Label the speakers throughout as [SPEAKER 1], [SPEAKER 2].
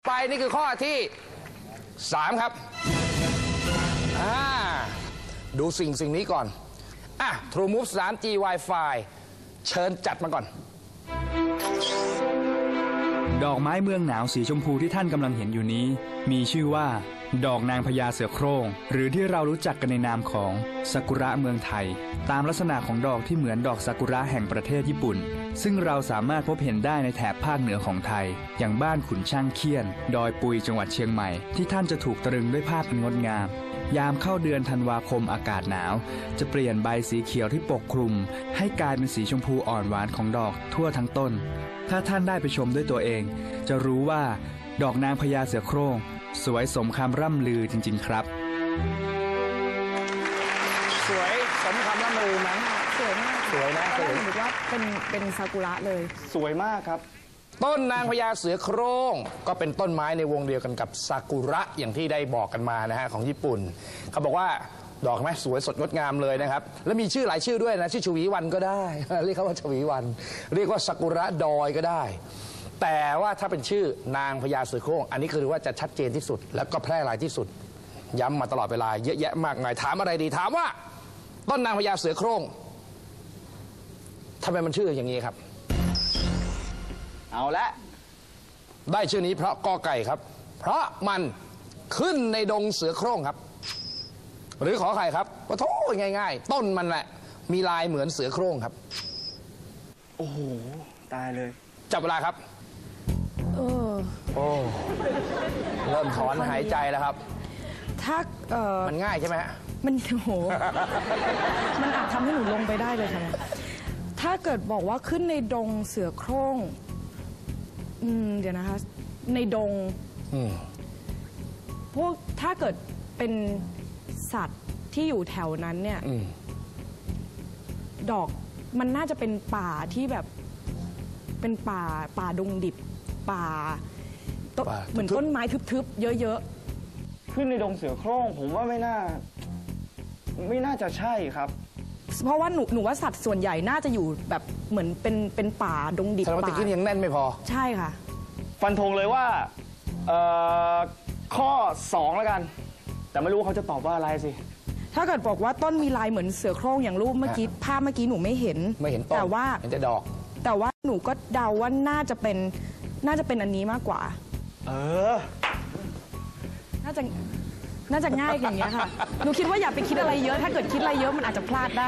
[SPEAKER 1] ไปนี่คือข้อที่3ครับดูสิ่งนี้ก่อนTrue Move 3G Wi-Fi เชิญจัดมาก่อน
[SPEAKER 2] ดอกไม้เมืองหนาวสีชมพูที่ท่านกำลังเห็นอยู่นี้มีชื่อว่าดอกนางพญาเสือโคร่งหรือที่เรารู้จักกันในนามของซากุระเมืองไทยตามลักษณะของดอกที่เหมือนดอกซากุระแห่งประเทศญี่ปุ่นซึ่งเราสามารถพบเห็นได้ในแถบภาคเหนือของไทยอย่างบ้านขุนช่างเคียนดอยปุยจังหวัดเชียงใหม่ที่ท่านจะถูกตรึงด้วยภาพอันงดงามยามเข้าเดือนธันวาคมอากาศหนาวจะเปลี่ยนใบสีเขียวที่ปกคลุมให้กลายเป็นสีชมพูอ่อนหวานของดอกทั่วทั้งต้นถ้าท่านได้ไปชมด้วยตัวเองจะรู้ว่าดอกนางพญาเสือโคร่งสวยสมคำร่ำลือจริงๆครับ
[SPEAKER 1] สวยสมคำร่ำลือไหม
[SPEAKER 3] สวยมาก
[SPEAKER 1] สวยนะ
[SPEAKER 3] ก็ได้เห็นว่าเป็นซากุระเลย
[SPEAKER 4] สวยมากครับ
[SPEAKER 1] ต้นนางพญาเสือโคร่งก็เป็นต้นไม้ในวงเดียวกันกับซากุระอย่างที่ได้บอกกันมานะฮะของญี่ปุ่นเขาบอกว่าดอกไม้สวยสดงดงามเลยนะครับแล้วมีชื่อหลายชื่อด้วยนะชื่อชวีวันก็ได้เรียกเขาว่าชวีวันเรียกว่าซากุระดอยก็ได้แต่ว่าถ้าเป็นชื่อนางพญาเสือโคร่งอันนี้คือว่าจะชัดเจนที่สุดแล้วก็แพร่หลายที่สุดย้ำมาตลอดเวลาเยอะแยะมากมายถามอะไรดีถามว่าต้นนางพญาเสือโคร่งทำไมมันชื่ออย่างนี้ครับ
[SPEAKER 4] เอาละ
[SPEAKER 1] ได้ชื่อนี้เพราะกอไก่ครับเพราะมันขึ้นในดงเสือโคร่งครับหรือขอไข่ครับว่าโธ่ง่ายๆต้นมันแหละมีลายเหมือนเสือโคร่งครับ
[SPEAKER 4] โอ้โหตายเลย
[SPEAKER 1] จับเวลาครับโอ้เริ่มถอนหายใจแล้วครับ
[SPEAKER 3] ถ้า
[SPEAKER 1] มันง่ายใช่ไหมฮะ
[SPEAKER 3] มันโหมันอาจทำให้หนูลงไปได้เลยค่ะถ้าเกิดบอกว่าขึ้นในดงเสือโคร่งเดี๋ยวนะคะในดงพวกถ้าเกิดเป็นสัตว์ที่อยู่แถวนั้นเนี่ยดอกมันน่าจะเป็นป่าที่แบบเป็นป่าดงดิบป่าเหมือนต้นไม้ทึบๆเยอะ
[SPEAKER 4] ๆขึ้นในดงเสือโคร่งผมว่าไม่น่าจะใช่ครับ
[SPEAKER 3] เพราะว่าหนูว่าสัตว์ส่วนใหญ่น่าจะอยู่แบบเหมือนเป็นป่าดงดิบ
[SPEAKER 1] ป่าตะกี้ยังแน่นไม่พอ
[SPEAKER 3] ใช่ค่ะ
[SPEAKER 4] ฟันธงเลยว่าข้อ2แล้วกันแต่ไม่รู้เขาจะตอบว่าอะไรสิ
[SPEAKER 3] ถ้าเกิดบอกว่าต้นมีลายเหมือนเสือโคร่งอย่างรูปเมื่อกี้ภาพเมื่อกี้หนูไม่เห็น
[SPEAKER 1] ต้น
[SPEAKER 3] แต่ว่า
[SPEAKER 1] เห็นแต่ดอก
[SPEAKER 3] แต่ว่าหนูก็เดาว่าน่าจะเป็นอันนี้มากกว่าน่าจะง่ายอย่างเงี้ยค่ะหนูคิดว่าอย่าไปคิดอะไรเยอะถ้าเกิดคิดอะไรเยอะมันอาจจะพลาดได้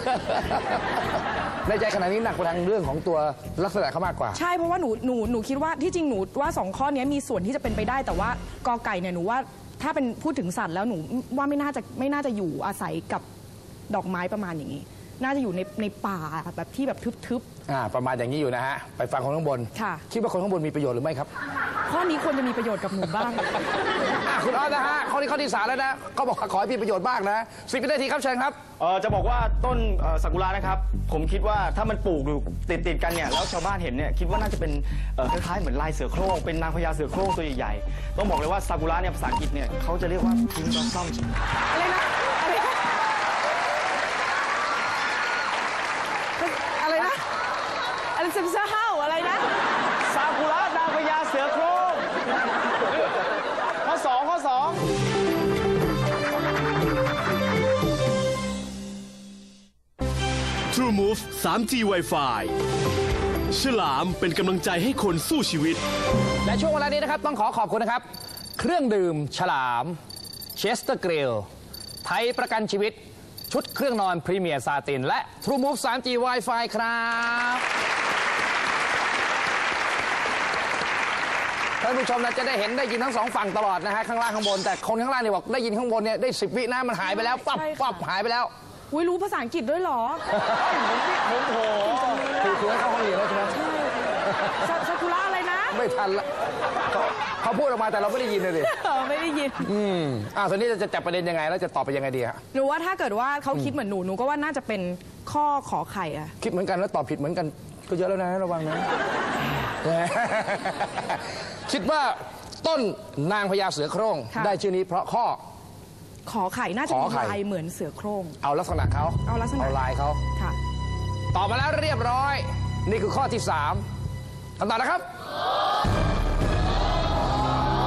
[SPEAKER 1] ในใจขณะนี้หนักไปทางเรื่องของตัวลักษณะเขามากกว่า
[SPEAKER 3] ใช่เพราะว่าหนูคิดว่าที่จริงหนูว่า2ข้อนี้มีส่วนที่จะเป็นไปได้แต่ว่ากอไก่เนี่ยหนูว่าถ้าเป็นพูดถึงสัตว์แล้วหนูว่าไม่น่าจะอยู่อาศัยกับดอกไม้ประมาณอย่างนี้น่าจะอยู่ในป่าแบบที่แบบทึบ
[SPEAKER 1] ๆประมาณอย่างนี้อยู่นะฮะไปฟังคนข้างบน
[SPEAKER 3] ค่ะ
[SPEAKER 1] คิดว่าคนข้างบนมีประโยชน์หรือไม่ครับ
[SPEAKER 3] ข้อนี้ควรจะมีประโยชน์กับหนูบ้าง
[SPEAKER 1] คุณอ้อนะฮะข้อที่3แล้วนะเขาบอกขอให้มีประโยชน์บ้างนะ10 วินาทีครับเชิญครับ
[SPEAKER 4] จะบอกว่าต้นซากุระนะครับผมคิดว่าถ้ามันปลูกอยู่ติดกันเนี่ยแล้วชาวบ้านเห็นเนี่ยคิดว่าน่าจะเป็นคล้ายๆเหมือนลายเสือโคร่งเป็นนางพญาเสือโคร่งตัวใหญ่ๆต้องบอกเลยว่าซากุระเนี่ยภาษาอังกฤษเนี่ยเขาจะเรียกว่าพิงค์บลอสซัม
[SPEAKER 3] อะไรเซมซ่าเฮาอะไรนะ
[SPEAKER 4] ซากุระนางพญาเสือโคร่งข้อ2
[SPEAKER 5] True Move 3G Wi-Fi ฉลามเป็นกำลังใจให้คนสู้ชีวิต
[SPEAKER 1] และช่วงเวลานี้นะครับต้องขอบคุณนะครับเครื่องดื่มฉลามเชสเตอร์กริลไทยประกันชีวิตชุดเครื่องนอนพรีเมียร์ซาตินและ True Move 3G Wi-Fi ครับท่านผู้ชมจะได้เห็นได้ยินทั้ง2ฝั่งตลอดนะฮะข้างล่างข้างบนแต่คนข้างล่างเนี่ยบอกได้ยินข้างบนเนี่ยได้10 วินะมันหายไปแล้วปั๊บหายไปแล้ว
[SPEAKER 3] รู้ภาษาอังกฤษด้วยเหรอ
[SPEAKER 1] โอ้โหคือให้เข้าห้องเรียนแล้วใช่ไหม
[SPEAKER 3] ซากุระอะไรนะ
[SPEAKER 1] ไม่ทันละเขาพูดออกมาแต่เราไม่ได้ยินเลยดิ
[SPEAKER 3] ไม่ได้ยิน
[SPEAKER 1] ตอนนี้จะจับประเด็นยังไงแล้วจะตอบไปยังไงดีฮะ
[SPEAKER 3] หนูว่าถ้าเกิดว่าเขาคิดเหมือนหนูก็ว่าน่าจะเป็นข้อขอไข่อะ
[SPEAKER 1] คิดเหมือนกันแล้วตอบผิดเหมือนกันก็เยอะแล้วนะระวังนะคิดว่าต้นนางพญาเสือโคร่งได้ชื่อนี้เพราะข้อ
[SPEAKER 3] ขอไข่น่าจะมีลายเหมือนเสือโคร่ง
[SPEAKER 1] เอาลักษณะเขา
[SPEAKER 3] เอา
[SPEAKER 1] ลายเขา
[SPEAKER 3] ค่ะ
[SPEAKER 1] ตอบมาแล้วเรียบร้อยนี่คือข้อที่3คำตอบนะครับ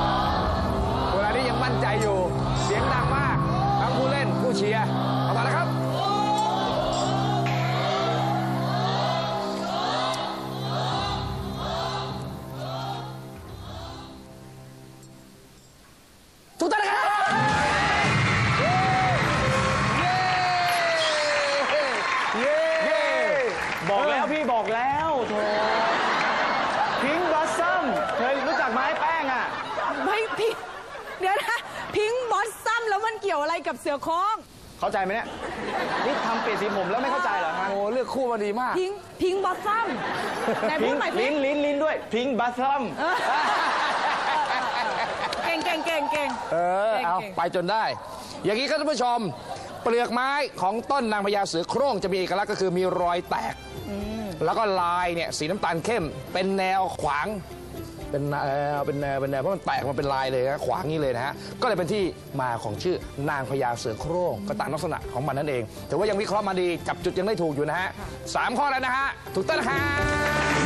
[SPEAKER 3] กี่ยวอะไรกับเสือโคร่ง
[SPEAKER 4] เข้าใจไหมเนี่ยนี่ทำเปลี่ยนสีผมแล้วไม่เข้าใจเหรอฮะ
[SPEAKER 1] โอ้เลือกคู่มาดีมาก
[SPEAKER 3] พิงบอสซัมไหนพูดใหม่สิ
[SPEAKER 4] ลิ้นด้วยพิงบัสซัม
[SPEAKER 3] เก่ง
[SPEAKER 1] เอาไปจนได้ อย่างนี้ครับท่านผู้ชม เปลือกไม้ของต้นนางพญาเสือโคร่งจะมีเอกลักษณ์ก็คือมีรอยแตก แล้วก็ลายเนี่ยสีน้ำตาลเข้ม เป็นแนวขวาง เป็นแนวเพราะมันแตกมันเป็นลายเลยนะขวางนี้เลยนะฮะ ก็เลยเป็นที่มาของชื่อนางพญาเสือโคร่งก็ตามลักษณะของมันนั่นเอง แต่ว่ายังวิเคราะห์มาดีจับจุดยังได้ถูกอยู่นะฮะ 3 ข้อแล้วนะฮะ ถูกต้องนะครับ